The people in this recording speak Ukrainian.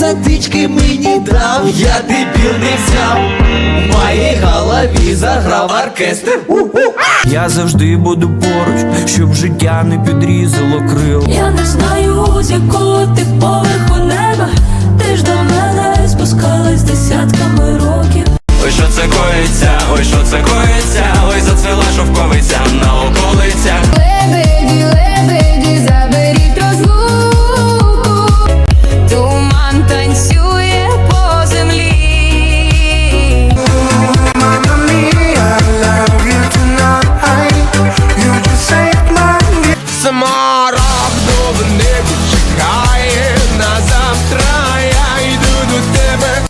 затички мені дав, я дебіл не взяв. У моїй голові заграв оркестр. Я завжди буду поруч, щоб життя не підрізало крил. Я не знаю, з якого ти поверху неба. Ти ж до мене спускалась десятками років. Ой, що це коїться, ой, що це коїться.